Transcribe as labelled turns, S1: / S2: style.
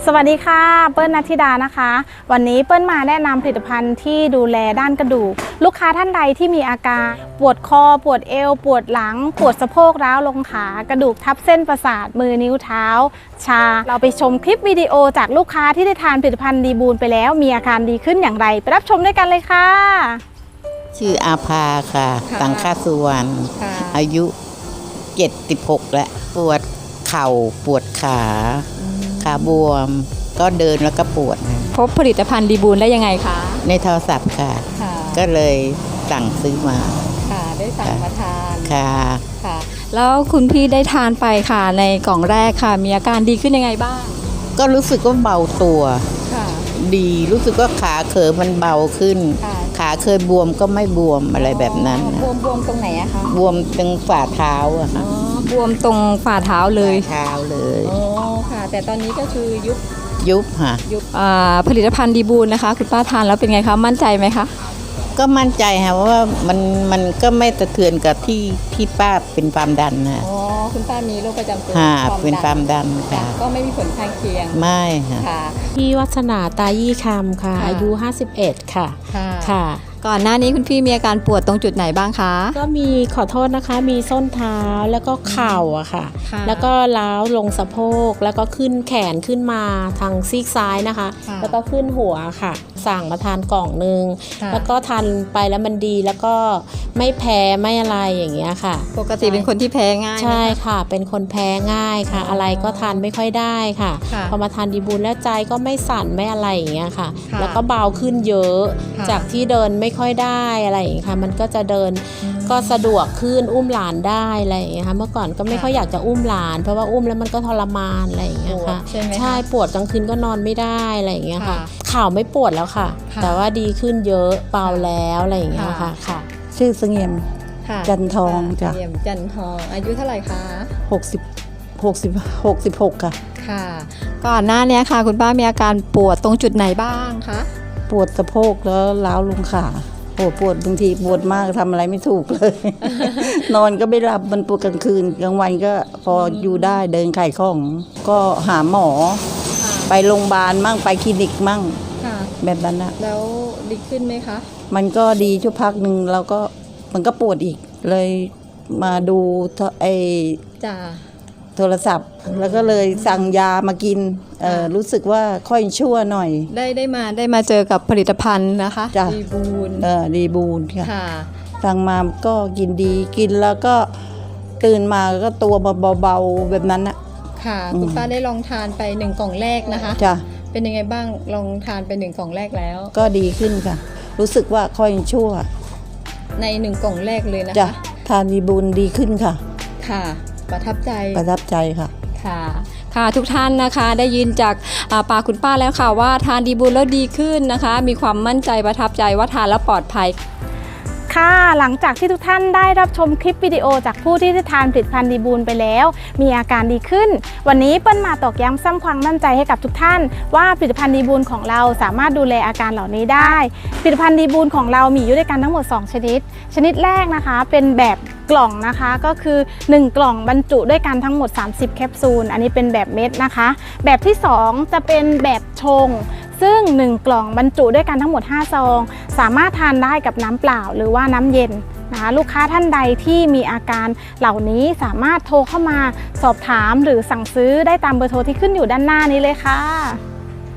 S1: สวัสดีค่ะเปิ้ลณัฐธิดานะคะวันนี้เปิ้ลมาแนะนำผลิตภัณฑ์ที่ดูแลด้านกระดูกลูกค้าท่านใดที่มีอาการปวดคอปวดเอวปวดหลังปวดสะโพกร้าวลงขากระดูกทับเส้นประสาทมือนิ้วเท้าชาเราไปชมคลิปวิดีโอจากลูกค้าที่ได้ทานผลิตภัณฑ์ดีบูลไปแล้วมีอาการดีขึ้นอย่างไรไปรับชมด้วยกันเลยค่ะ
S2: ชื่ออาภาค่ะสังฆสุวรรณอายุ76แล้วปวดเข่าปวดขาบวมก็เดินแล้วก็ปวด
S3: พบผลิตภัณฑ์ดีบูลได้ยังไงคะ
S2: ในโทรศัพท์ค่ะก็เลยสั่งซื้อมา
S3: ค่ะได้สั่งมาทาน
S2: ค่ะ
S3: แล้วคุณพี่ได้ทานไปค่ะในกล่องแรกค่ะมีอาการดีขึ้นยังไงบ้าง
S2: ก็รู้สึกว่าเบาตัวดีรู้สึกว่าขาเขยมันเบาขึ้นขาเคยบวมก็ไม่บวมอะไรแบบนั้น
S3: บวมตรงไหนอะคะ
S2: บวมตรงฝ่าเท้าอะค่ะ
S3: บวมตรงฝ่าเท้าเลย
S2: เท้าเลย
S3: อ๋อค่ะแต่ตอนนี้ก็คือ
S2: ยุบค่ะ
S3: ผลิตภัณฑ์ดีบูลนะคะคุณป้าทานแล้วเป็นไงคะมั่นใจไหมคะ
S2: ก็มั่นใจค่ะว่ามันก็ไม่สะเทือนกับที่ป้าเป็นความดันนะ
S3: อ๋อคุณป้ามีโรคประจำตัว
S2: เป็นความดันค่ะ
S3: ก็ไม่มีผลข้างเคียง
S2: ไม่ค่ะ
S4: พี่วัฒนาตายี่คำค่ะอายุ51ค่ะ
S3: ค่ะก่อนหน้านี้คุณพี่มีอาการปวดตรงจุดไหนบ้างคะ
S4: ก็มีขอโทษนะคะมีส้นเท้าแล้วก็เข่าอะค่ะแล้วก็ล้าวลงสะโพกแล้วก็ขึ้นแขนขึ้นมาทางซีกซ้ายนะคะแล้วก็ขึ้นหัวค่ะสั่งมาทานกล่องนึงแล้วก็ทานไปแล้วมันดีแล้วก็ไม่แพ้ไม่อะไรอย่างเงี้ยค่ะ
S3: ปกติเป็นคนที่แพ้ง่าย
S4: ใช่ค่ะเป็นคนแพ้ง่ายค่ะอะไรก็ทานไม่ค่อยได้ค่ะพอมาทานดีบูลแล้วใจก็ไม่สั่นไม่อะไรอย่างเงี้ยค่ะแล้วก็เบาขึ้นเยอะจากที่เดินไม่ค่อยได้อะไรอย่างเงี้ยค่ะมันก็จะเดินก็สะดวกขึ้นอุ้มหลานได้อะไรอย่างเงี้ยค่ะเมื่อก่อนก็ไม่ค่อยอยากจะอุ้มหลานเพราะว่าอุ้มแล้วมันก็ทรมานอะไรอย่างเงี้ยค่ะใช่ปวดกลางคืนก็นอนไม่ได้อะไรอย่างเงี้ยค่ะเข่าไม่ปวดแล้วค่ะแต่ว่าดีขึ้นเยอะเบาแล้วอะไรอย่างเงี้ยค่ะ
S5: ชื่อเสงี่ยมจันทองจ้ะ
S3: เสงี่ยมจันทองอายุเท่าไหร่คะ
S5: 66ค่ะ
S3: ค่ะก่อนหน้านี้ค่ะคุณป้ามีอาการปวดตรงจุดไหนบ้างคะ
S5: ปวดสะโพกแล้วล้าวลงขาปวดบางทีปวดมากทำอะไรไม่ถูกเลย นอนก็ไม่หลับมันปวดกลางคืนกลางวันก็พออยู่ได้เดินขายของก็หาหมอไปโรงพยาบาลมั่งไปคลินิกมั่งแบบนั้นนะ
S3: แล้วดีขึ้นไหมคะ
S5: มันก็ดีชั่วพักหนึ่งแล้วก็มันก็ปวดอีกเลยมาดูโทรศัพท์แล้วก็เลยสั่งยามากินรู้สึกว่าค่อยชั่วหน่อย
S3: ได้มาเจอกับผลิตภัณฑ์นะคะดีบูล
S5: ดีบูลค่ะสั่งมาก็กินดีกินแล้วก็ตื่นมาก็ตัวเบาๆแบบนั้นนะ
S3: ค่ะคุณป้าได้ลองทานไป1กล่องแรกนะคะ
S5: จ้ะ
S3: เป็นยังไงบ้างลองทานไป1กล่องแรกแล้ว
S5: ก็ดีขึ้นค่ะรู้สึกว่าค่อยชั่ว
S3: ใน1กล่องแรกเลยนะ
S5: คะทานดีบูลดีขึ้นค่ะ
S3: ค่ะประทับใจ
S5: ค่ะ
S3: ค่ะทุกท่านนะคะได้ยินจากปากคุณป้าแล้วค่ะว่าทานดีบูลแล้วดีขึ้นนะคะมีความมั่นใจประทับใจว่าทานแล้วปลอดภัย
S1: ค่ะหลังจากที่ทุกท่านได้รับชมคลิปวิดีโอจากผู้ที่ได้ทานผลิตภัณฑ์ดีบูลไปแล้วมีอาการดีขึ้นวันนี้เปิ้ลมาตอกย้ำสร้างความมั่นใจให้กับทุกท่านว่าผลิตภัณฑ์ดีบูลของเราสามารถดูแลอาการเหล่านี้ได้ผลิตภัณฑ์ดีบูลของเรามีอยู่ด้วยกันทั้งหมด2ชนิดแรกนะคะเป็นแบบกล่องนะคะก็คือ1กล่องบรรจุด้วยกันทั้งหมด30แคปซูลอันนี้เป็นแบบเม็ดนะคะแบบที่2จะเป็นแบบชงซึ่ง1กล่องบรรจุด้วยกันทั้งหมด5ซองสามารถทานได้กับน้ำเปล่าหรือว่าน้ำเย็นนะคะลูกค้าท่านใดที่มีอาการเหล่านี้สามารถโทรเข้ามาสอบถามหรือสั่งซื้อได้ตามเบอร์โทรที่ขึ้นอยู่ด้านหน้านี้เลยค่ะ